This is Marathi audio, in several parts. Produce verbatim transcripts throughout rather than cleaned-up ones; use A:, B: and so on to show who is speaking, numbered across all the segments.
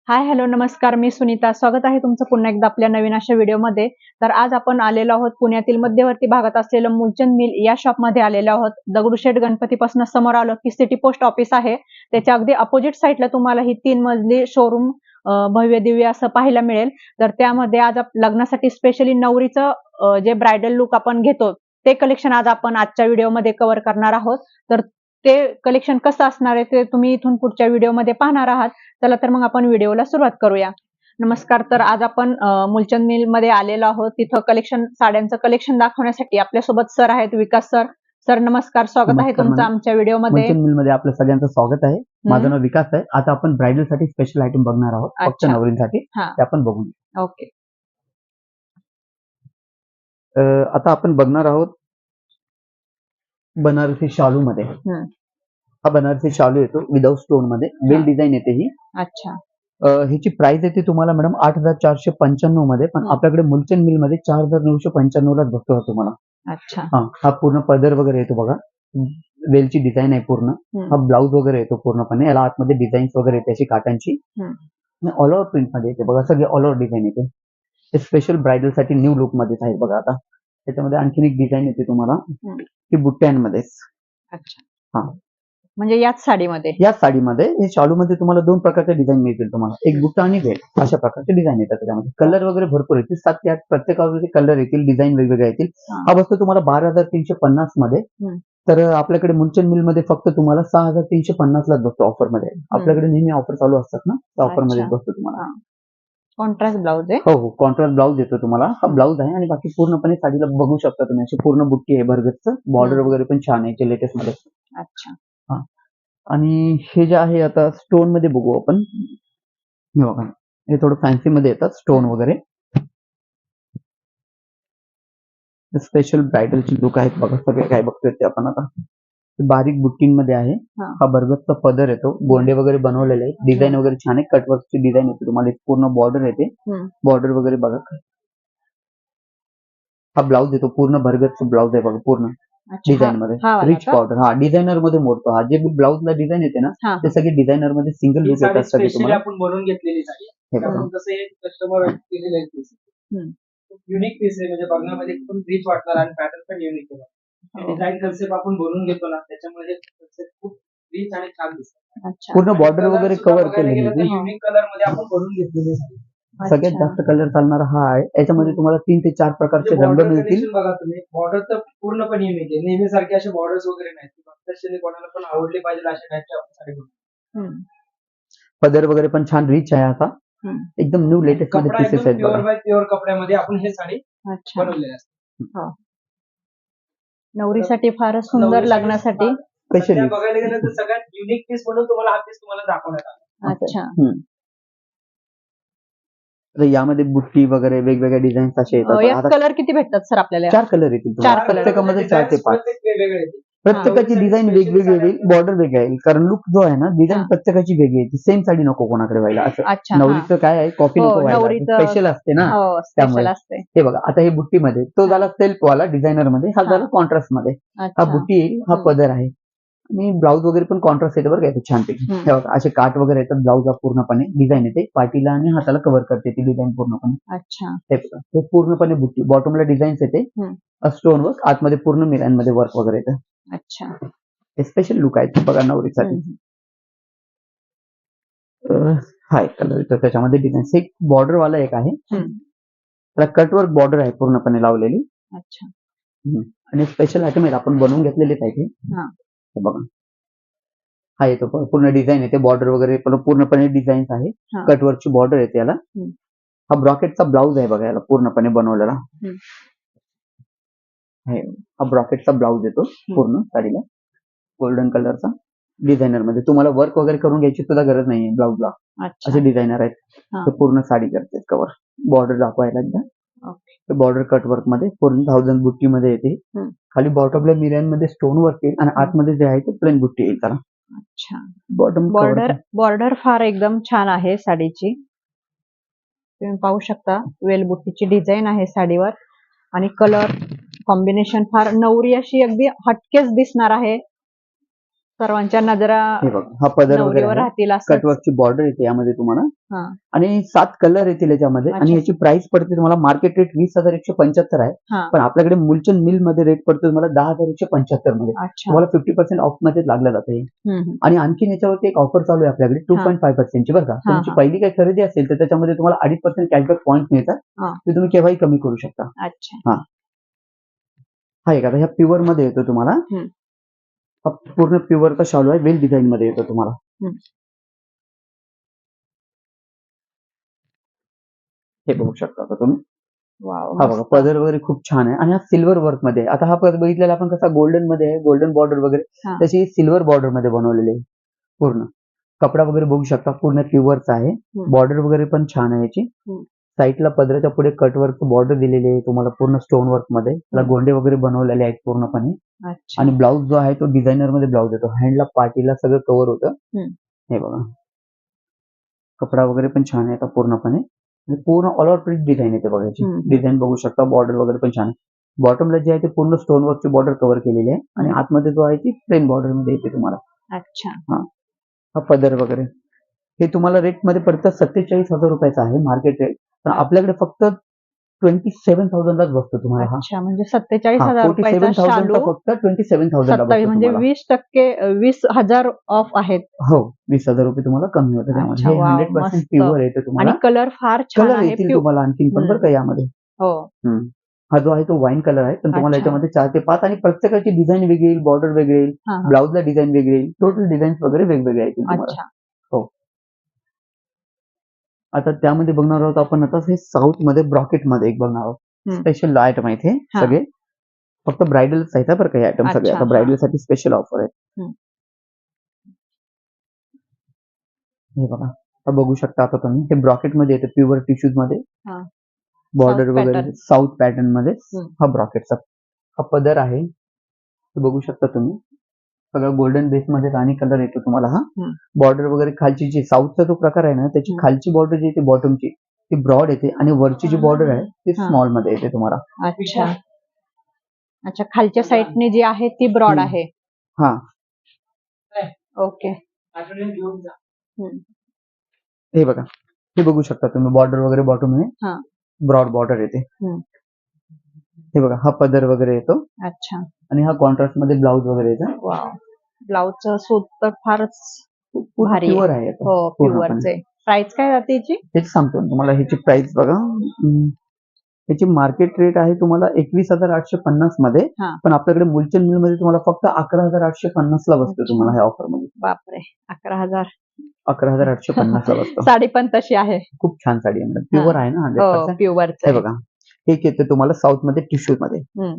A: हाय हॅलो नमस्कार, मी सुनीता. स्वागत आहे तुमचं पुन्हा एकदा आपल्या नवीन अशा व्हिडिओमध्ये. तर आज आपण आलेलो आहोत पुण्यातील मध्यवर्ती भागात असलेलं मूलचंद मिल या शॉपमध्ये आलेलो आहोत. दगडूशेठ गणपतीपासून समोर आलं की सिटी पोस्ट ऑफिस आहे. त्याच्या अगदी अपोजिट साईडला तुम्हाला ही तीन मजली शोरूम भव्य दिव्य असं पाहायला मिळेल. तर त्यामध्ये आज लग्नासाठी स्पेशली नवरीचं जे ब्रायडल लुक आपण घेतो ते कलेक्शन आज आपण आजच्या व्हिडिओमध्ये कव्हर करणार आहोत. तर ते कलेक्शन कसं असणार आहे ते तुम्ही इथून पुढच्या व्हिडिओमध्ये पाहणार आहात. चला तर मग आपण व्हिडिओला सुरुवात करूया. नमस्कार. तर आज आपण मूलचंद मिल मध्ये आलेलो आहोत. तिथं कलेक्शन साड्यांचं कलेक्शन दाखवण्यासाठी आपल्यासोबत सर आहेत, विकास सर. सर नमस्कार, स्वागत आहे तुमचं आमच्या व्हिडिओमध्ये.
B: मूलचंद मिल मध्ये आपलं सगळ्यांचं स्वागत आहे. माझं नाव विकास आहे. आता आपण ब्रायडल साठी स्पेशल आयटम बघणार आहोत, फक्त नवरींसाठी. ते आपण बघून
A: ओके.
B: आता आपण बघणार आहोत बनारसी शालू मध्ये. हा बनारसी शालू येतो विदाउट स्टोन मध्ये, वेल डिझाईन येते ही.
A: अच्छा.
B: ह्याची प्राइस येते तुम्हाला मॅडम आठ हजार चारशे पंच्याण्णव मध्ये, पण आपल्याकडे मूलचंद मिल मध्ये चार हजार नऊशे पंच्याण्णव लाच बघतो तुम्हाला.
A: अच्छा.
B: हा पूर्ण पदर वगैरे येतो बघा, वेलची डिझाईन आहे पूर्ण. हा ब्लाउज वगैरे येतो पूर्णपणे, याला आतमध्ये डिझाईन्स वगैरे येते अशी काटांची. ऑल ओव्हर प्रिंट मध्ये येते बघा, सगळे ऑल ओव्हर डिझाईन येते. हे स्पेशल ब्रायडल साठी न्यू लुक मध्येच आहे बघा. आता त्याच्यामध्ये आणखीन एक डिझाईन येते तुम्हाला की बुट्ट्यांमध्येच.
A: अच्छा. हा म्हणजे याच साडीमध्ये
B: याच साडीमध्ये हे शालू मध्ये तुम्हाला दोन प्रकारचे डिझाईन मिळतील तुम्हाला, एक बुट्टा आणि वेल, अशा प्रकारचे डिझाईन येतात. त्याच्यामध्ये कलर वगैरे भरपूर येतील, सात ते आठ प्रत्येकावर कलर येतील, डिझाईन वेगवेगळे येतील. हा बसतो तुम्हाला बारा हजार तीनशे पन्नास मध्ये. तर आपल्याकडे मूलचंद मिल मध्ये फक्त तुम्हाला सहा हजार तीनशे पन्नास लाच बसतो ऑफर मध्ये. आपल्याकडे नेहमी ऑफर चालू असतात ना, त्या ऑफर मध्ये बसतो तुम्हाला.
A: कॉन्ट्रास्ट ब्लाउज आहे.
B: हो हो, कॉन्ट्रास्ट ब्लाउज येतो तुम्हाला. हा ब्लाउज आहे आणि बाकी पूर्णपणे साडीला बघू शकता तुम्ही, अशी पूर्ण बुट्टी आहे भरगतचं, बॉर्डर वगैरे पण छान आहे लेटेस्ट मध्ये.
A: अच्छा.
B: हा, आणि हे जे आहे आता स्टोन मध्ये बघू आपण. हे बघा, हे थोडं फॅन्सी मध्ये येतात स्टोन वगैरे. स्पेशल ब्रायडलची लुक आहेत बघा, सगळे काय बघतोय ते आपण आता. बारीक बुट्टींमध्ये आहे. हा भरगतचा पदर येतो, गोंडे वगैरे बनवलेले आहेत, डिझाईन वगैरे छान आहे, कटवर्कची डिझाईन येते तुम्हाला. पूर्ण बॉर्डर येते, बॉर्डर वगैरे बघा. हा ब्लाउज येतो पूर्ण भरगतचा ब्लाउज आहे बघा, पूर्ण डिझाईन मध्ये रिच बॉर्डर. हा डिझायनर मध्ये मोडतो. हा जे ब्लाउजला डिझाईन येते ना, ते सगळे डिझायनर मध्ये सिंगल लुक येतात सगळे तुम्हाला.
C: आपण बनवून घेतलेली साडी कस्टमर केलेलं आहे, युनिक पीस आहे, म्हणजे बघण्यामध्ये खूप रिच वाटणार आणि पॅटर्न पण युनिक आहे. डिझाईन कन्सेप्ट आपण बनवून घेतो ना, त्याच्यामुळे कन्सेप्ट खूप रिच आणि छान दिसतात.
B: पूर्ण बॉर्डर वगैरे कव्हर केलेली आहे.
C: युनिक कलर मध्ये आपण बनवून घेतलेली साडी.
B: सगळ्यात जास्त कलर चालणारा हा आहे. याच्यामध्ये तुम्हाला तीन ते चार प्रकारचे रंग मिळतील.
C: बघा तुम्ही, बॉर्डर तर पूर्णपणे युनिक आहे. नेहमी सारखे असे बॉर्डर्स वगैरे नाही, प्रत्यक्षाने कोणाला पण आवडले पाहिजे अशा टाईपच्या आपण साडी बनवतो.
B: पदर वगैरे पण छान रिच आहे. आता एकदम न्यू लेटेस्ट मध्ये पीसेस आहेत.
C: प्युअर बाय प्युअर कपड्यामध्ये आपण हे साडी बनवलेली असते.
A: नवरीसाठी फारच सुंदर, लग्नासाठी
C: स्पेशली बघायला गेलं तर सगळ्यात युनिक पीस म्हणून तुम्हाला हा पीस तुम्हाला दाखवण्यात आला.
A: अच्छा.
B: यामध्ये बुट्टी वगैरे वेगवेगळ्या डिझाईन्स असे येतात.
A: कलर किती भेटतात सर आपल्याला?
B: चार कलर येतील.
A: चार कलर
B: प्रत्येकामध्ये चार ते पाच
C: वेगवेगळे येतील.
B: प्रत्येकाची डिझाईन वेगवेगळी येईल, बॉर्डर वेगळी येईल, कारण लुक जो आहे ना, डिझाईन प्रत्येकाची वेगळी येते. सेम साडी नको कोणाकडे व्हायला असं. नवरीचं काय आहे, कॉफी नको व्हायला, स्पेशल असते ना, त्यामुळे. हे बघा, आता हे बुट्टी मध्ये तो झाला सेल्फ वाला डिझायनर मध्ये, हा झाला कॉन्ट्रास्ट मध्ये. हा बुट्टी येईल, हा पदर आहे, आणि ब्लाउज वगैरे पण कॉन्ट्रास्ट येते बरं का, छानपैकी. हे बघा, असे काट वगैरे येतात ब्लाउजला, पूर्णपणे डिझाईन येते, पाठीला आणि हाताला कव्हर करते ती डिझाईन पूर्णपणे.
A: अच्छा.
B: हे पूर्णपणे बुट्टी, बॉटमला डिझाईन्स येते, स्टोन वर्क, आतमध्ये पूर्ण मिरांमध्ये वर्क वगैरे येतं.
A: अच्छा.
B: हे स्पेशल लुक आहे बघा नवरीसाठी. हा एक कलर येतो त्याच्यामध्ये डिझाईन. एक बॉर्डर वाला एक आहे, त्याला कटवर्क बॉर्डर आहे पूर्णपणे लावलेली.
A: अच्छा.
B: आणि स्पेशल आयटम आहेत, आपण बनवून घेतलेले आहे. बघा, हा येतो पूर्ण डिझाईन येते, बॉर्डर वगैरे पूर्णपणे डिझाईन्स आहे, कटवर्कची बॉर्डर येते याला. हा ब्रॉकेटचा ब्लाउज आहे बघा, याला पूर्णपणे बनवलेला. हा ब्रॉकेटचा ब्लाउज येतो पूर्ण साडीला, गोल्डन कलरचा, डिझायनर मध्ये. तुम्हाला वर्क वगैरे करून घ्यायची सुद्धा गरज नाहीये ब्लाउजला, असे डिझायनर आहेत. पूर्ण साडी करते कव्हर. बॉर्डर दाखवायला एकदा, बॉर्डर कटवर्क मध्ये पूर्ण थाउजंड बुट्टी मध्ये येते. खाली बॉटमला मिऱ्यांमध्ये स्टोन वर्क येईल, आणि आतमध्ये जे आहे ते प्लेन बुट्टी येईल त्याला.
A: अच्छा.
B: बॉटम
A: बॉर्डर बॉर्डर फार एकदम छान आहे साडीची, तुम्ही पाहू शकता. वेल बुट्टीची डिझाईन आहे साडीवर, आणि कलर कॉम्बिनेशन फार नवरी अशी अगदी हटकेच दिसणार आहे. सर्वांच्या नजरा
B: हे बघा हा पदर वगैरे
A: नवरीवर
B: आहे.
A: राहतील असं.
B: कटवर्कची बॉर्डर येते यामध्ये तुम्हाला
A: हा.
B: आणि सात कलर येतील याच्यामध्ये आणि
A: अच्छा.
B: याची प्राइस पडते तुम्हाला मार्केट रेट वीस हजार एकशे पंच्याहत्तर आहे.
A: हा.
B: पण आपल्याकडे मुलचंद मिल मध्ये रेट पडतो तुम्हाला दहा हजार एकशे पंच्याहत्तर मध्ये.
A: अच्छा.
B: तुम्हाला फिफ्टी पर्सेंट ऑफ मध्ये लागलं जाते.
A: हम्म, हम्म.
B: आणि आणखीन याच्यावरती एक ऑफर चालू आहे आपल्याकडे टू
A: हा.
B: पॉईंट फाईव्ह पर्सेंटची बरं का.
A: हा,
B: तुमची
A: हा.
B: पहिली काही खरेदी असेल तर त्याच्यामध्ये तुम्हाला अडीच पर्सेंट कॅशबॅक पॉईंट मिळतात.
A: हा.
B: ते तुम्ही केव्हाही कमी करू शकता.
A: अच्छा.
B: हा हा एक आता ह्या प्युअर मध्ये येतो तुम्हाला.
A: हम्म.
B: हा पूर्ण प्युअरचा शालू आहे, वेल डिझाईन मध्ये येतो तुम्हाला.
A: हम्म.
B: हे बघू शकता आता तुम्ही.
A: वाव,
B: हा बघा
A: मस्त.
B: पदर वगैरे खूप छान आहे आणि हा सिल्वर वर्क मध्ये आहे. आता हा पदर बघितलेला आपण कसा गोल्डन मध्ये आहे, गोल्डन बॉर्डर वगैरे,
A: हा.
B: तशी सिल्वर बॉर्डर मध्ये बनवलेली आहे पूर्ण. कपडा वगैरे बघू शकता पूर्ण प्युअरचा आहे.
A: हम्म.
B: बॉर्डर वगैरे पण छान आहे याची.
A: हम्म.
B: साईडला पदराच्या पुढे कटवर्क बॉर्डर दिलेली आहे तुम्हाला पूर्ण स्टोन वर्क मध्ये. त्याला
A: हम्म.
B: गोंडे वगैरे बनवलेले आहेत पूर्णपणे.
A: अच्छा.
B: आणि ब्लाऊज जो आहे तो डिझायनर मध्ये ब्लाऊज येतो. हँडला पार्टीला सगळं कव्हर होतं.
A: हम्म.
B: हे बघा कपडा वगैरे पण छान आहे आता पूर्णपणे. आणि पूर्ण ऑल ओव्हर प्रिंट डिझाईन येते बघा याची.
A: हम्म.
B: डिझाईन बघू शकता, बॉर्डर वगैरे पण छान आहे. बॉटमला जे आहे ते पूर्ण स्टोन वर्कची बॉर्डर कव्हर केलेली आहे आणि
A: हम्म.
B: आतमध्ये जो आहे ती प्लेन बॉर्डर मध्ये येते तुम्हाला.
A: अच्छा.
B: हा हा पदर वगैरे हे तुम्हाला रेट मध्ये पडतं सत्तेचाळीस हजार रुपयाचा आहे मार्केट रेट. पण आपल्याकडे फक्त ट्वेंटी सेव्हन थाउजंड लाच बसतो तुम्हाला. हा
A: अच्छा, म्हणजे सत्तेचाळीस
B: हा
A: हजार
B: फोर्टी
A: रुपयाचा
B: सेव्हन थाउजंड
A: शालू
B: फक्त ट्वेंटी सेव्हन थाउजंड ला
A: सत्तावीस
B: बसतो
A: म्हणजे
B: तुम्हाला.
A: वीस टक्के वीस हजार ऑफ आहेत.
B: हो वीस हजार रुपये तुम्हाला कमी होतं त्यामध्ये.
A: अच्छा,
B: हे
A: वाव,
B: हंड्रेड पर्सेंट
A: मस्त.
B: प्युअर येते
A: आणि
B: तुम्हाला.
A: कलर फार छान
B: कलर
A: आहे.
B: येतील
A: प्यु-
B: तुम्हाला आणखीन पण बरं का यामध्ये.
A: हो.
B: हम्म. हा जो आहे तो वाईन कलर आहे पण तुम्हाला
A: अच्छा.
B: याच्यामध्ये चार ते पाच आणि प्रत्येकाची डिझाईन वेगळी येईल, बॉर्डर वेगळी येईल,
A: हा, हा.
B: ब्लाऊजला डिझाईन वेगळी येईल, टोटल डिझाईन्स वगैरे वेगवेगळे येतील तुम्हाला.
A: अच्छा.
B: हो. आता त्यामध्ये बघणार आहोत आपण आता हे साऊथ मध्ये ब्रॉकेट मध्ये एक बघणार आहोत.
A: हम्म.
B: स्पेशल आयटम आहेत हे
A: हा.
B: सगळे. फक्त ब्रायडल्स आहेत बरं का हे आयटम सगळे.
A: अच्छा,
B: आता
A: हा.
B: ब्रायडल साठी स्पेशल ऑफर आहे.
A: हम्म.
B: हे बघा आता बघू शकता आता तुम्ही हे ब्रॉकेट मध्ये येतं प्युअर टिश्यूज मध्ये.
A: हा.
B: बॉर्डर
A: South
B: वगैरे
A: pattern.
B: साऊथ पॅटर्न मध्ये.
A: हम्म.
B: हा ब्रॉकेटचा हा पदर आहे. हे बघू शकता तुम्ही. सगळं गोल्डन बेस मध्ये राणी कलर येतो तुम्हाला. हा
A: हम्म.
B: बॉर्डर वगैरे खालची जी साऊथचा जो प्रकार आहे ना त्याची
A: हम्म.
B: खालची बॉर्डर जी येते बॉटमची ती ब्रॉड येते आणि वरची जी बॉर्डर आहे ती
A: हा.
B: स्मॉल मध्ये येते तुम्हाला.
A: अच्छा. अच्छा, खालच्या साईडने जी आहे ती ब्रॉड
B: हम्म.
A: आहे.
B: हा
A: ओके.
C: आठवड्यात घेऊन जा.
A: हम्म.
B: हे बघा हे बघू शकता तुम्ही बॉर्डर वगैरे बॉटम मध्ये
A: हा.
B: ब्रॉड बॉर्डर येते.
A: हम्म.
B: हे बघा हा पदर वगैरे येतो
A: अच्छा.
B: आणि हा कॉन्ट्रास्ट मध्ये ब्लाऊज वगैरे येतो.
A: वाव, ब्लाऊजचं सूत तर फारच भारी
B: प्युअर
A: आहे.
B: आहे आता
A: हो,
B: पूर्णपणे.
A: प्युअरचे. प्राइस काय जाते याची?
B: हेच सांगतो ना तुम्हाला. ह्याची प्राइस बघा. हम्म. याची मार्केट रेट आहे तुम्हाला एकवीस हजार आठशे पन्नास मध्ये.
A: हा.
B: पण आपल्याकडे मुलचंद मिल मध्ये तुम्हाला फक्त अकरा हजार आठशे पन्नास ला बसतो
A: अच्छा.
B: तुम्हाला ह्या ऑफर मध्ये.
A: बापरे, अकरा हजार.
B: अकरा हजार आठशे पन्नास ला बसतो.
A: साडी पण तशी आहे.
B: खूप छान साडी आहे मॅडम. प्युअर आहे ना हंड्रेड
A: हो,
B: पर्सेंट.
A: प्युअरच
B: हे
A: आहे.
B: बघा एक येते तुम्हाला साऊथ मध्ये टिश्यू मध्ये.
A: हम्म.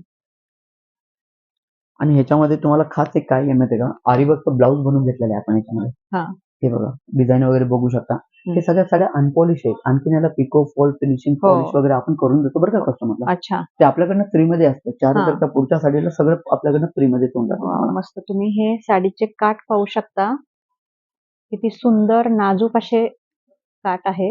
B: आणि ह्याच्यामध्ये तुम्हाला खास एक काय आहे माहितीये का, आरीवर्कचा ब्लाऊज बनवून घेतलेला आहे आपण याच्यामध्ये.
A: हा.
B: हे बघा डिझाईन वगैरे बघू शकता. हे सगळ्या साड्या अनपॉलिश आहेत. आणखीन याला पिको फॉल फिनिशिंग
A: हो.
B: पॉलिश वगैरे आपण करून देतो बरं का कस्टमरला.
A: अच्छा.
B: ते आपल्याकडनं फ्री मध्ये असतं. चार
A: हा.
B: हजारच्या पुढच्या साडीला सगळं आपल्याकडनं फ्री मध्ये होऊन जातं
A: वाव,
B: तुम्हाला.
A: मस्त. तुम्ही हे साडीचे काठ पाहू शकता. किती सुंदर नाजूक असे काठ आहेत.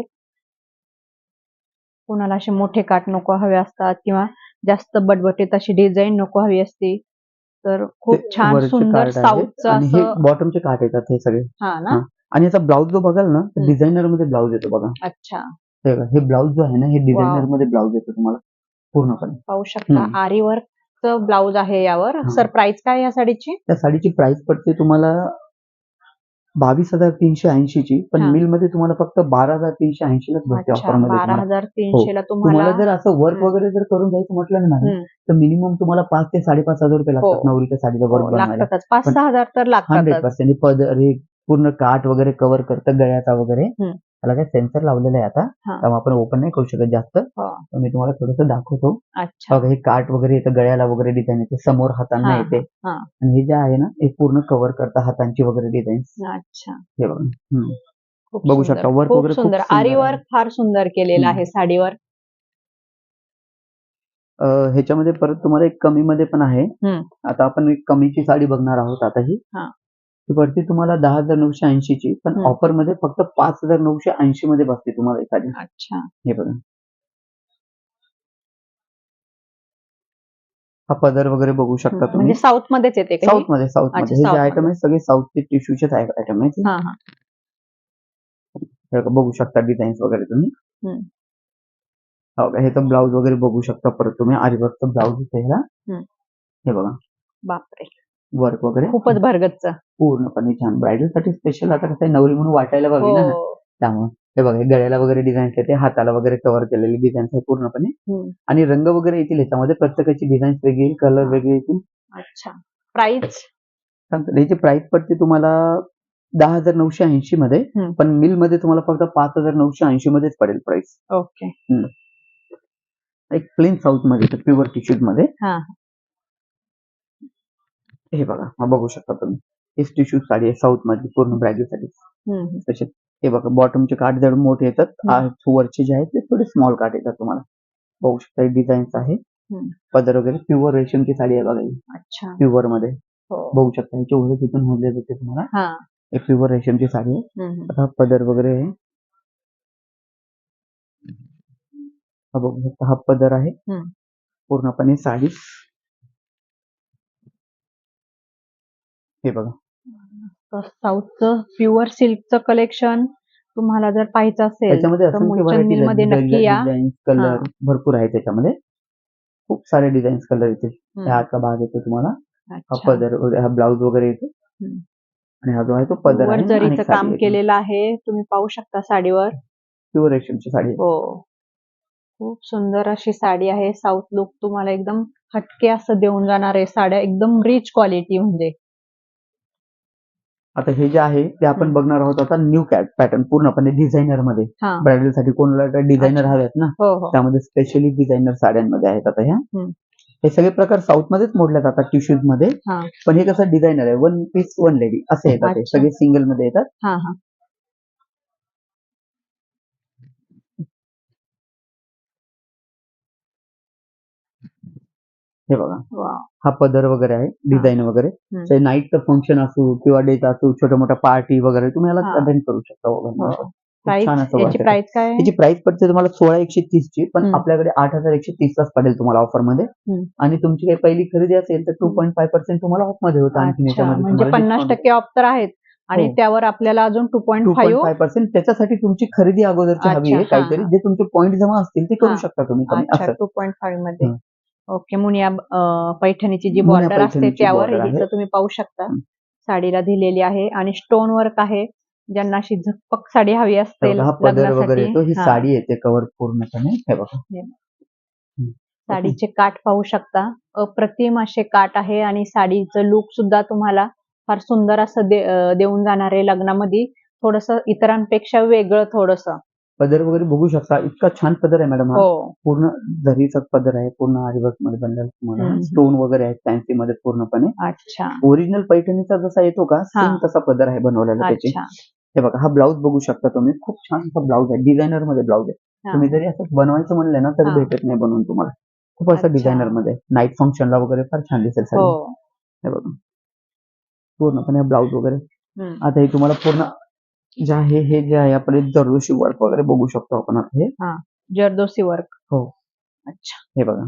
A: कोणाला असे मोठे काठ नको हवे असतात किंवा जास्त बटबटीत अशी डिझाईन नको हवी असती तर खूप
B: ते
A: छान
B: वरचे
A: सुंदर
B: कार्ड आहे
A: साऊथचं
B: आणि हे
A: असं.
B: बॉटमचे काठ येतात हे सगळे.
A: हा ना.
B: हा. आणि याचा ब्लाऊज जो बघाल ना
A: हम्म.
B: डिझायनर मध्ये ब्लाऊज येतो बघा.
A: अच्छा.
B: हे बघा, हे ब्लाऊज जो आहे ना हे डिझायनर
A: वाव,
B: मध्ये ब्लाऊज येतो तुम्हाला पूर्णपणे.
A: पाहू शकता
B: हम्म.
A: आरी वर्कचं ब्लाऊज आहे यावर.
B: हा.
A: सर, प्राइस काय आहे या साडीची?
B: त्या साडीची प्राइस पडते तुम्हाला बावीस हजार तीनशे ऐंशी ची. पण
A: हा.
B: मिल मध्ये तुम्हाला फक्त बारा हजार तीनशे ऐंशी लाच भेटते
A: अच्छा,
B: ऑफर मध्ये
A: बारा
B: तुम्हाला.
A: हजार
B: हो.
A: तीनशे ला
B: तुम्हाला
A: तुम्हाला.
B: जर असं वर्क
A: हम्म.
B: वगैरे जर करून जायचं म्हटलं ना मॅडम
A: हम्म.
B: तर मिनिमम तुम्हाला पाच ते साडेपाच हजार रुपये
A: हो
B: लागतात नवरीच्या साडीला वर्क
A: हो,
B: बनवायला.
A: लागतातच. पाच
B: पण
A: सहा हजार तर
B: हंड्रेड
A: लागतातच.
B: पर्सेंट पदर हे पूर्ण काठ वगैरे कव्हर करतं गळ्याचा वगैरे.
A: हम्म.
B: त्याला काय सेन्सर लावलेला आहे आता.
A: हा.
B: त्यामुळे आपण ओपन नाही करू शकत जास्त.
A: हो.
B: तर मी तुम्हाला थोडंसं दाखवतो.
A: अच्छा.
B: बघा हे काठ वगैरे येतं गळ्याला वगैरे डिझाईन येते, समोर हातांना
A: हा
B: येते
A: हा हा.
B: आणि हे जे आहे ना हे पूर्ण कव्हर करतं हातांची वगैरे डिझाईन.
A: अच्छा.
B: हे बघा. हम्म.
A: खूप
B: बघू
A: सुंदर,
B: शकता वर्क
A: खूप
B: वगैरे खूप
A: सुंदर.
B: सुंदर
A: आरी
B: आहे.
A: वर्क फार सुंदर केलेलं
B: हम्म.
A: आहे साडीवर.
B: अ, ह्याच्यामध्ये परत तुम्हाला एक कमी मध्ये पण आहे.
A: हम्म.
B: आता आपण एक कमीची साडी बघणार आहोत आता ही.
A: हा.
B: ती पडते तुम्हाला दहा हजार नऊशे ऐंशी ची. पण
A: हम्म.
B: ऑफर मध्ये फक्त पाच हजार नऊशे ऐंशी मध्ये बसते तुम्हाला ही साडी.
A: अच्छा.
B: हे बघा हा पदर वगैरे बघू शकता
A: म्हणजे
B: तुम्ही.
A: साऊथ मध्येच येते का हे?
B: साऊथ मध्ये साऊथ
A: अच्छा,
B: मध्ये हे जे
A: south
B: आयटम
A: मध्ये.
B: आहे सगळे साऊथचे टिश्यूचेच आयटम आहेत.
A: हा हा
B: हे बघा, बघू शकता डिझाईन्स वगैरे तुम्ही.
A: हम्म.
B: हो का, हे तर ब्लाऊज वगैरे बघू शकता परत तुम्ही. आरीवर्कचं ब्लाऊज आहे ह्याला.
A: हम्म.
B: हे बघा
A: बापरे,
B: वर्क वगैरे
A: खूपच भरगतच.
B: पूर्णपणे छान. ब्रायडल साठी स्पेशल आता कसं आहे, नवरी म्हणून वाटायला
A: हो.
B: हवी ना, त्यामुळे हे बघा, हे गळ्याला वगैरे डिझाईन्स येते, हाताला वगैरे कव्हर केलेली डिझाईन्स आहे पूर्णपणे.
A: हम्म.
B: आणि रंग वगैरे येतील याच्यामध्ये, प्रत्येकाची डिझाईन्स वेगळी, कलर वेगळे येतील.
A: अच्छा, प्राइस
B: सांगतो याची प्राइस पडते तुम्हाला दहा हजार नऊशे ऐंशी मध्ये.
A: हम्म.
B: पण मिल मध्ये तुम्हाला फक्त पाच हजार नऊशे ऐंशी मध्येच पडेल प्राइस.
A: ओके.
B: एक प्लेन साऊथ मध्ये प्युअर टिश्यूज मध्ये.
A: हा
B: हे बघा, हा बघू शकता तुम्ही. हेच टिश्यू साडी आहे साऊथ मध्ये पूर्ण ब्रायडल साठी
A: हम्म.
B: स्पेशल. हे बघा, बॉटमचे काठ जड मोठे येतात,
A: हम्म.
B: वरचे जे आहेत ते थोडे स्मॉल काठ येतात तुम्हाला. बघू शकता डिझाईन्स आहे.
A: हम्म.
B: पदर वगैरे प्युअर रेशमची साडी आहे बघा ही.
A: अच्छा.
B: प्युअर मध्ये
A: हो.
B: बघू शकता, याचे ओढे तिथून होले जाते तुम्हाला.
A: हा
B: हे प्युअर रेशमची साडी आहे.
A: हम्म.
B: आता पदर वगैरे आहे. हा बघू शकता, हा पदर आहे
A: हम्म.
B: पूर्णपणे साडी. हे बघा,
A: साऊथचं प्युअर सिल्कचं कलेक्शन तुम्हाला जर पाहायचं असेल
B: त्याच्यामध्ये
A: तर
B: असंख्य
A: मुलचंद
B: व्हरायटीज
A: मिल मध्ये
B: आहेत.
A: नक्की या.
B: डिझाईन्स कलर भरपूर आहे त्याच्यामध्ये. खूप सारे डिझाईन्स कलर येतील.
A: हम्म.
B: हा आतला भाग येतो तुम्हाला. हा
A: अच्छा.
B: पदर वगैरे, हा ब्लाऊज वगैरे येतो.
A: हम्म.
B: आणि हा जो आहे तो पदर
A: वर
B: आहे आणि
A: जरीचं
B: साडी
A: काम
B: आहे.
A: केलेलं आहे, तुम्ही पाहू शकता साडीवर.
B: प्युअर रेशमची साडी आहे.
A: हो, खूप सुंदर अशी साडी आहे. साऊथ लुक तुम्हाला एकदम हटके असं देऊन जाणार आहे साड्या, एकदम रिच क्वालिटी. म्हणजे
B: आता हे जे आहे ते आपण
A: हम्म.
B: बघणार आहोत आता न्यू कॅट पॅटर्न पूर्णपणे डिझायनर मध्ये.
A: हा
B: ब्रायडल साठी कोणाला डिझायनर
A: अच्छा.
B: हव्यात ना,
A: हो हो.
B: त्यामध्ये स्पेशली डिझायनर साड्यांमध्ये आहेत आता ह्या.
A: हम्म.
B: हे सगळे प्रकार साऊथ मध्येच मोडले जातात टिश्यूज मध्ये.
A: हा
B: पण हे कसं डिझायनर आहे, वन पीस वन लेडी असे येतात. हे
A: अच्छा.
B: सगळे सिंगल मध्ये येतात.
A: हा हा
B: हे बघा,
A: वा.
B: हा पदर वगैरे आहे, डिझाईन वगैरे.
A: हम्म.
B: ते नाईटचं फंक्शन असो किंवा डेचा असो, छोट्या मोठ्या पार्टी वगैरे तुम्ही याला
A: हा.
B: अटेंड करू शकता
A: हो.
B: वगैरे. खूप
A: प्राइस
B: छान असं
A: याची
B: work आहे.
A: प्राइस काय आहे?
B: त्याची प्राइस पडते तुम्हाला सोळा एकशे तीस ची, पण
A: हम्म.
B: आपल्याकडे आठ हजार एकशे तीस लाच पडेल तुम्हाला ऑफर मध्ये.
A: हम्म.
B: आणि तुमची काही पहिली खरेदी असेल तर टू पॉईंट फाईव्ह पर्सेंट तुम्हाला ऑफ मध्ये होतं. आणखी
A: अच्छा,
B: याच्यामध्ये
A: म्हणजे
B: तुम्हाला
A: पन्नास
B: discount
A: टक्के ऑफ तर आहेत आणि
B: हो.
A: त्यावर आपल्याला अजून two point
B: two point
A: five.
B: Five percent त्याच्यासाठी तुमची खरेदी अगोदरची हवी
A: अच्छा,
B: आहे
A: हा,
B: काहीतरी,
A: हा.
B: जे तुमचे पॉईंट जमा असतील ते करू
A: हा.
B: शकता तुम्ही कमी
A: अच्छा,
B: असं.
A: टू पॉईंट फाईव्ह मध्ये.
B: हं.
A: ओके. मुनिया अं, पैठणीची जी
B: मुनिया
A: बॉर्डर असते
B: पैठणीची
A: त्यावर
B: border आहे.
A: हिचं तुम्ही पाहू शकता.
B: हं.
A: साडीला दिलेली आहे आणि स्टोन वर्क आहे. ज्यांना अशी झकपक साडी हवी
B: हे
A: असेल
B: बघा, हा पदर वगैरे येतो. ही
A: हा.
B: साडी येते कव्हर पूर्णपणे. हे बघा,
A: हे.
B: हं.
A: साडीचे काठ पाहू शकता. अप्रतिम असे काठ आहे आणि साडीचं लुक सुद्धा तुम्हाला फार सुंदर असं दे, अं, देऊन जाणार आहे. लग्नामध्ये थोडस इतरांपेक्षा वेगळं थोडस.
B: पदर वगैरे बघू शकता, इतका छान पदर आहे मॅडम. हा
A: हो.
B: पूर्ण जरीचा पदर आहे, पूर्ण आरीवर्क मध्ये बनलेला तुम्हाला.
A: हम्म.
B: स्टोन वगैरे आहेत फॅन्सी मध्ये पूर्णपणे.
A: अच्छा
B: ओरिजिनल पैठणीचा जसा येतो का,
A: हा.
B: सेम तसा पदर आहे बनवलेला त्याची.
A: अच्छा.
B: हे बघा, हा ब्लाऊज बघू शकता तुम्ही. खूप छान असा ब्लाऊज आहे, डिझायनर मध्ये ब्लाऊज आहे.
A: हा.
B: तुम्ही जरी असं बनवायचं म्हणलं ना तरी
A: हा.
B: भेटत नाही बनवून तुम्हाला. खूप असं
A: अच्छा.
B: डिझायनर मध्ये नाईट फंक्शनला वगैरे फार छान दिसेल साडी.
A: हो.
B: हे बघा, पूर्णपणे ब्लाऊज वगैरे.
A: हम्म.
B: आता हे तुम्हाला पूर्ण जे आहे, हे जे आहे आपले दरदोशी वर्क वगैरे बघू शकतो आपण आता हे.
A: हा, जरदोसी वर्क.
B: हो.
A: अच्छा.
B: हे बघा,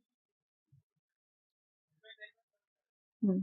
A: हम्म.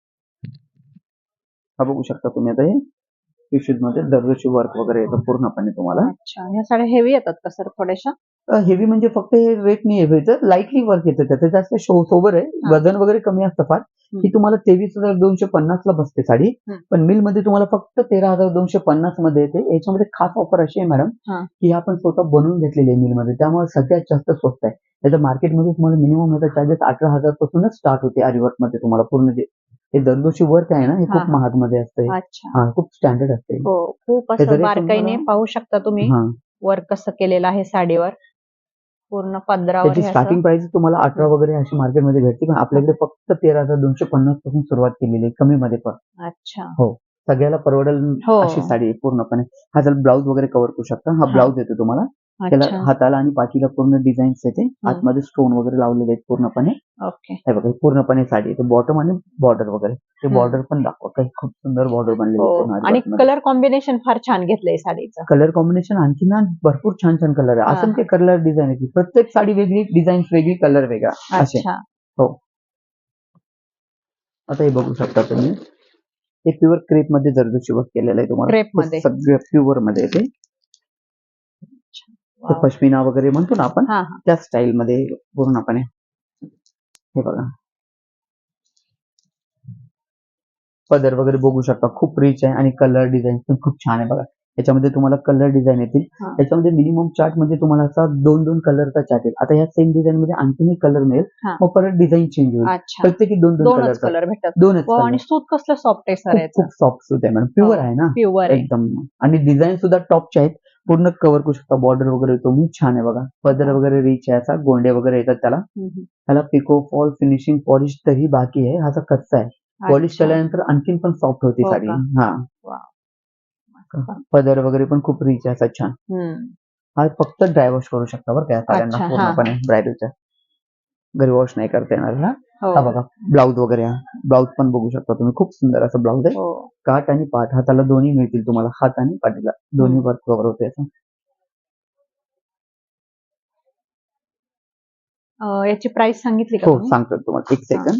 B: हा बघू शकता तुम्ही आता हे टिश्यूज मध्ये दरदोशी वर्क वगैरे येतं पूर्णपणे तुम्हाला.
A: अच्छा, ह्या साड्या हेवी येतात का सर थोड्याशा?
B: हेवी म्हणजे फक्त हे वेट नाही हेवी येतं, लाईटली वर्क येतं त्याचं. जास्त सोबर आहे,
A: हा.
B: वजन वगैरे कमी असतं फार.
A: हम्म.
B: ही तुम्हाला तेवीस हजार दोनशे पन्नास ला बसते साडी.
A: हम्म.
B: पण मिल मध्ये तुम्हाला फक्त तेरा हजार दोनशे पन्नास मध्ये येते. याच्यामध्ये खास ऑफर अशी आहे मॅडम,
A: हा.
B: की आपण स्वतः बनवून घेतलेली आहे मिल मध्ये, त्यामुळे सगळ्यात जास्त स्वस्त आहे. त्याच्या मार्केटमध्ये तुम्हाला मिनिमम याचा चार्जेस अठरा हजार पासूनच स्टार्ट होते आरीवर्क मध्ये तुम्हाला. पूर्ण जे हे दरदोशी वर्क आहे ना, हे
A: हा,
B: खूप
A: हा.
B: महाग मध्ये असतं.
A: अच्छा.
B: हा, खूप स्टँडर्ड असते.
A: हो, खूप
B: त्याचा
A: असं
B: rate
A: बारकाईने
B: तुम्हाला-
A: पाहू शकता तुम्ही
B: हा,
A: वर्क कसं केलेलं आहे साडीवर. पूर्ण पदरावर
B: त्याची
A: हे असं.
B: स्टार्टिंग प्राइस तुम्हाला अठरा वगैरे अशी मार्केटमध्ये भेटते, पण आपल्याकडे फक्त तेरा हजार दोनशे पन्नास पासून सुरुवात केलेली आहे कमी मध्ये पण.
A: अच्छा.
B: हो, सगळ्याला परवडेल
A: हो.
B: अशी साडी आहे पूर्णपणे. हा जर ब्लाऊज वगैरे कव्हर करू शकता. हा
A: हा.
B: ब्लाऊज येतो तुम्हाला. त्याला
A: अच्छा.
B: हाताला आणि पाठीला पूर्ण डिझाईन्स येते.
A: हम्म.
B: आतमध्ये स्टोन वगैरे लावलेले आहेत पूर्णपणे.
A: ओके.
B: हे बघा, ही पूर्णपणे साडी येते. बॉटम आणि बॉर्डर वगैरे. ते
A: हम्म.
B: बॉर्डर पण दाखवा, काही खूप सुंदर बॉर्डर बनलेली
A: हो,
B: आहे पूर्ण
A: आणि
B: आरीवर्कमध्ये.
A: कलर कॉम्बिनेशन फार छान घेतलंय साडीचं.
B: कलर कॉम्बिनेशन आणखी ना भरपूर छान छान कलर आहे.
A: हा,
B: असंख्य
A: हा.
B: कलर डिझाईन आहे. प्रत्येक साडी वेगळी, डिझाईन वेगळी, कलर वेगळा असे.
A: अच्छा.
B: हो, आता हे बघू शकता तुम्ही, हे प्युअर क्रेप मध्ये जरदोशी वर्क केलेलं आहे तुम्हाला.
A: क्रेप मध्ये
B: सगळं प्युअर मध्ये येते. पश्मिना वगैरे म्हणतो ना आपण, त्या स्टाईल मध्ये पूर्णपणे. हे बघा पदर वगैरे बघू शकता, खूप रिच आहे आणि कलर डिझाईन पण खूप छान आहे. बघा याच्यामध्ये तुम्हाला कलर डिझाईन येतील. याच्यामध्ये मिनिमम चार्ट मध्ये तुम्हाला असा दोन दोन कलरचा चार्ट येईल. आता या सेम डिझाईन मध्ये आणखीन एक कलर मिळेल, मग परत डिझाईन चेंज होईल. प्रत्येकी दोन दोन
A: दोनच कलर भेटतात.
B: दोनच कलर.
A: आणि सूत कसलं सॉफ्ट आहे सर,
B: खूप सॉफ्ट सूत आहे मॅडम, प्युअर आहे ना,
A: प्युअर
B: एकदम. आणि डिझाईन सुद्धा टॉपचे आहेत. पूर्ण कव्हर करू शकता, बॉर्डर वगैरे तुम्ही छान आहे. बघा पदर वगैरे रिच आहे, असा गोंडे वगैरे येतात त्याला. त्याला पिको फॉल फिनिशिंग पॉलिश तरी बाकी आहे. हा कच्चा आहे, पॉलिश केल्यानंतर आणखीन पण सॉफ्ट होती साडी. हा पदर वगैरे पण खूप रिच आहे, असा छान. हा फक्त ड्राय वॉश करू शकता बरं का साड्यांना पूर्णपणे. ब्रायडलच्या घरी वॉश नाही करता येणार. हा बघा ब्लाऊज वगैरे, ब्लाऊज पण बघू शकता तुम्ही, खूप सुंदर असं ब्लाऊज आहे. काठ आणि पाठ हाताला दोन्ही मिळतील तुम्हाला, हात आणि पाठीला दोन्ही वर्क कव्हर होते.
A: याची प्राइस सांगितली का?
B: हो सांगतो तुम्हाला, एक सेकंड.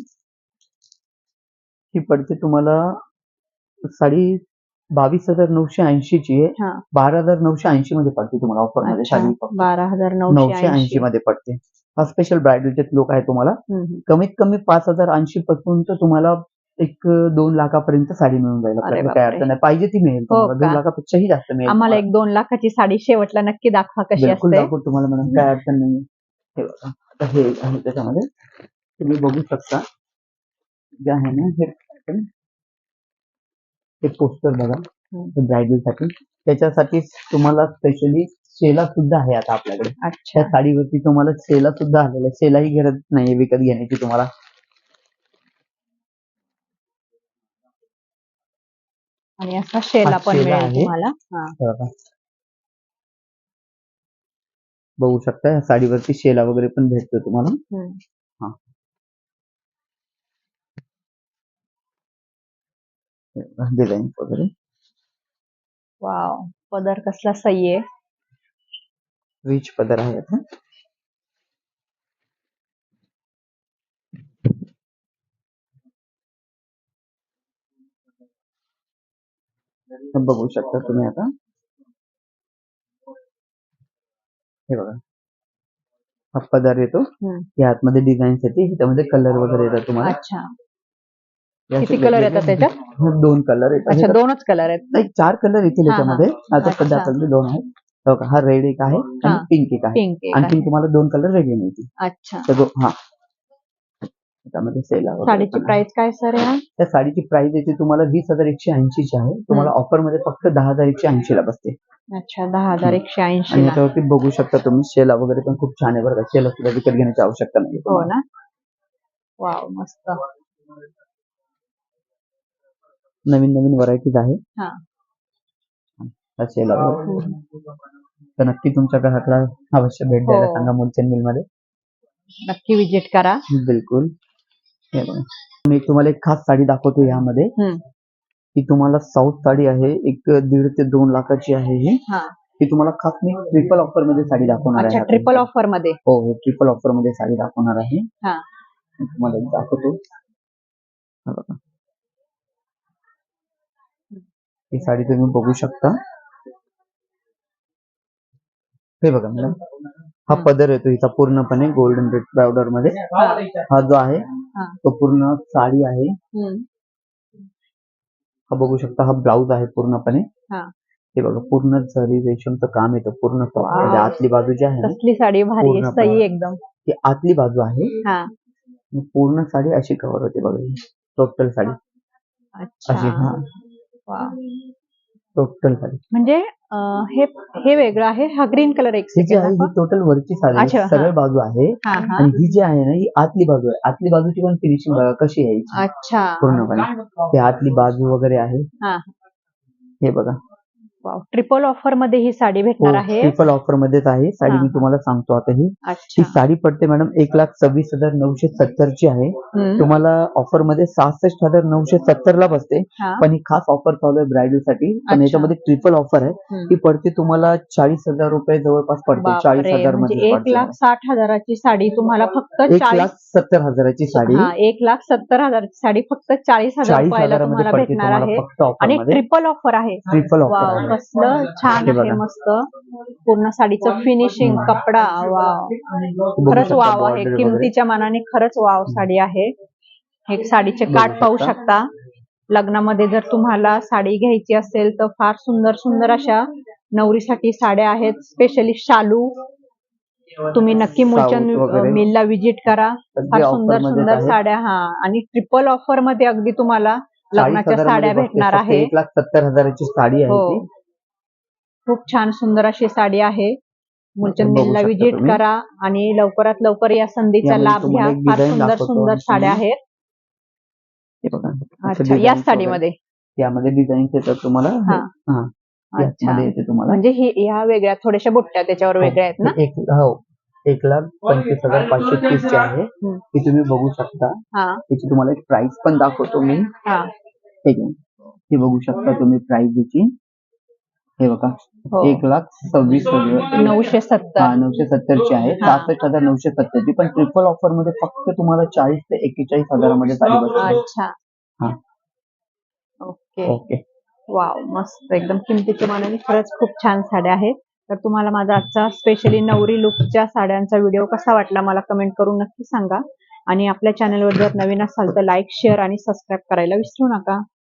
B: ही पडते तुम्हाला साडी बावीस हजार नऊशे ऐंशी ची आहे. बारा हजार नऊशे ऐंशी मध्ये पडते तुम्हाला ऑफर मध्ये साडी.
A: बारा हजार
B: नऊशे ऐंशी मध्ये पडते. हा स्पेशल ब्रायडलचे लोक आहे तुम्हाला. कमीत कमी पाच हजार ऐंशी पासून तुम्हाला एक दोन लाखापर्यंत साडी मिळून जाईल. आपल्याला काय अडचण नाही, पाहिजे ती मिळेल तुम्हाला. दोन लाखापेक्षाही जास्त मिळेल.
A: आम्हाला एक दोन लाखाची साडी शेवटला नक्की दाखवा कशी असते.
B: दाखवू तुम्हाला मॅडम, काय अडचण नाही. हे बघा आता हे आहे त्याच्यामध्ये तुम्ही बघू शकता जे आहे ना, हे हे पोस्टर बघा ब्रायडल साठी. त्याच्यासाठी तुम्हाला स्पेशली शेला सुद्धा आहे आता आपल्याकडे. त्या साडीवरती तुम्हाला शेला सुद्धा आलेला आहे. शेलाही गरज नाहीये विकत घेण्याची तुम्हाला.
A: आणि असा शेला पण मिळेल तुम्हाला.
B: बघू शकता या साडीवरती शेला वगैरे पण भेटतो तुम्हाला. हा डिझाईन वगैरे.
A: वाव, पदर कसला सही आहे,
B: रिच पदर आहे. आता बघू शकता तुम्ही. आता हे बघा हा पदर येतो, या आतमध्ये डिझाईन्स येते, त्यामध्ये कलर वगैरे येतात तुम्हाला.
A: किती कलर येतात त्याच्यात?
B: दोन कलर येतात.
A: अच्छा, दोनच कलर आहेत?
B: नाही, चार कलर येतील याच्यामध्ये. आता सध्या आपल्याकडे दोन आहेत. हा रेड एक आहे आणि पिंक एक आहे. आणखी तुम्हाला दोन कलर वेगळे मिळतील.
A: अच्छा
B: हा त्यामध्ये सेल आहे.
A: साडीची प्राइस काय सर आहे?
B: त्या साडीची प्राइस येते तुम्हाला वीस हजार एकशे ऐंशी ची आहे. तुम्हाला ऑफर मध्ये फक्त दहा हजार एकशे ऐंशी ला बसते.
A: अच्छा, दहा हजार एकशे ऐंशी.
B: आणि याच्यावरती बघू शकता तुम्ही शेला वगैरे पण खूप छान आहे बरं का. शेला सुद्धा विकत घेण्याची आवश्यकता नाही.
A: हो ना, वाव मस्त.
B: नवीन नवीन व्हरायटीज आहे. शेला तर नक्की तुमच्या ग्राहकाला अवश्य भेट द्यायला सांगा मुलचंद मिल मध्ये.
A: नक्की विजिट करा.
B: बिलकुल. मी तुम्हाला एक खास साडी दाखवतो यामध्ये. ही तुम्हाला साऊथ साडी आहे, एक दीड ते दोन लाखाची आहे. ही ही तुम्हाला खास मी ट्रिपल ऑफर मध्ये साडी दाखवणार आहे.
A: ट्रिपल ऑफर मध्ये?
B: हो, ट्रिपल ऑफर मध्ये साडी दाखवणार आहे. तुम्हाला एक दाखवतो. ही साडी तुम्ही बघू शकता. हे बघा मॅडम, हा पदर येतो हिचा पूर्णपणे गोल्डन रेड पावडर मध्ये. हा जो आहे तो पूर्ण साडी आहे. हा बघू शकता, हा ब्लाऊज आहे पूर्णपणे. हे बघा पूर्ण जरी रेशमचं काम येतं पूर्ण. आतली बाजू जी आहे
A: कसली साडी भारी आहे, सही एकदम.
B: ही आतली बाजू आहे. पूर्ण साडी अशी कव्हर होते बघा, टोटल साडी अशी. हा टोटल साडी
A: म्हणजे हे हे वेगळं आहे. हा ग्रीन कलर एक
B: टोटल वरची साडी सरळ बाजू आहे. आणि ही जी आहे ना, ही आतली बाजू आहे. आतली बाजूची पण फिनिशिंग बघा कशी आहे.
A: अच्छा,
B: पूर्णपणे ही आतली बाजू वगैरे आहे. हे बघा
A: ट्रिपल ऑफर मध्ये ही साडी भेटणार आहे.
B: ट्रिपल ऑफर मध्येच आहे साडी.
A: हा.
B: मी तुम्हाला सांगतो आता ही
A: अच्छा
B: ही साडी पडते मॅडम एक लाख सव्वीस हजार नऊशे सत्तर ची आहे.
A: हम्म.
B: तुम्हाला ऑफर मध्ये सहासष्ट हजार नऊशे सत्तर ला बसते.
A: हा.
B: पण ही खास ऑफर चालू आहे ब्रायडल साठी. पण
A: अच्छा.
B: याच्यामध्ये ट्रिपल ऑफर आहे.
A: हम्म.
B: ती पडते तुम्हाला चाळीस हजार रुपये जवळपास पडते. चाळीस
A: बापरे,
B: हजार
A: म्हणजे
B: मध्ये
A: एक
B: पडते.
A: लाख साठ हजाराची साडी तुम्हाला फक्त
B: एक
A: चाळीस
B: लाख सत्तर हजाराची साडी
A: हा एक लाख सत्तर हजाराची साडी फक्त चाळीस हजार
B: चाळीस
A: रुपयाला
B: हजारामध्ये
A: तुम्हाला
B: पडते
A: भेटणार
B: तुम्हाला
A: आहे.
B: फक्त ऑफर
A: आणि
B: मध्ये.
A: ट्रिपल ऑफर आहे.
B: ट्रिपल ऑफर
A: वाव,
B: आहे.
A: कसलं छान
B: हे
A: आहे
B: बघा.
A: मस्त पूर्ण साडीचं फिनिशिंग, कपडा वाव,
B: बघू
A: खरंच
B: शकता
A: वाव आहे.
B: border वगैरे.
A: किमतीच्या मानाने खरंच वाव साडी आहे. हे साडीचे
B: बघू
A: काठ पाहू
B: शकता.
A: शकता. लग्नामध्ये जर तुम्हाला साडी घ्यायची असेल तर फार सुंदर सुंदर अशा नवरीसाठी साड्या आहेत. स्पेशली शालू तुम्ही नक्की मुलचंद
B: साऊथ वगैरे.
A: मिलला विजिट करा.
B: सगळे
A: फार
B: offer
A: सुंदर
B: मध्येच
A: सुंदर
B: आहेत.
A: साड्या हा आणि ट्रिपल ऑफर मध्ये अगदी तुम्हाला
B: चाळीस
A: लग्नाच्या
B: हजारामध्ये
A: साड्या
B: बसते.
A: भेटणार
B: फक्त
A: आहे.
B: एक लाख सत्तर हजाराची साडी आहे
A: हो,
B: ती.
A: खूप छान सुंदर अशी साडी आहे. मुलचंद
B: बघू
A: मिलला
B: शकता
A: विजिट
B: तुम्ही.
A: करा आणि लवकरात लवकर या संधीचा
B: यामध्ये
A: लाभ घ्या.
B: तुम्हाला एक
A: फार
B: design
A: सुंदर
B: दाखवतो
A: सुंदर
B: आम्ही
A: साड्या
B: तुम्ही.
A: आहेत.
B: हे बघा. अशा
A: अच्छा,
B: designs
A: या
B: वगैरे.
A: साडीमध्ये
B: यामध्ये डिझाईन येतात तुम्हाला.
A: हा.
B: हा.
A: अच्छा,
B: यामध्ये येते तुम्हाला.
A: म्हणजे ही ह्या वेगळ्या थोड्याशा बुट्ट्या त्याच्यावर वेगळ्या आहेत ना.
B: हे एक हो एक लाख पंचवीस हजार पाचशे तीस ची आहे.
A: हम्म.
B: ती तुम्ही बघू शकता.
A: हा
B: त्याची तुम्हाला एक प्राइस पण दाखवतो मी.
A: हा
B: ठीक आहे. हे बघू शकता तुम्ही प्राइस याची. हे बघा
A: हो.
B: एक लाख सव्वीस हजार
A: नऊशे सत्तर
B: हा नऊशे सत्तर ची आहे.
A: हा.
B: सहासष्ट हजार नऊशे सत्तर ची. पण ट्रिपल ऑफर मध्ये फक्त तुम्हाला चाळीस ते एक्केचाळीस हजारामध्ये साडी बसते.
A: अच्छा
B: हा.
A: Okay
B: okay.
A: वाव, मस्त एकदम किमतीच्या मानाने खरंच खूप छान साड्या आहेत. तर तुम्हाला माझा आजचा स्पेशली नवरी लुकच्या साड्यांचा व्हिडिओ कसा वाटला मला कमेंट करून नक्की सांगा. आणि आपल्या चॅनलवर जर नवीन असाल तर लाईक, शेअर आणि सबस्क्राईब करायला विसरू नका.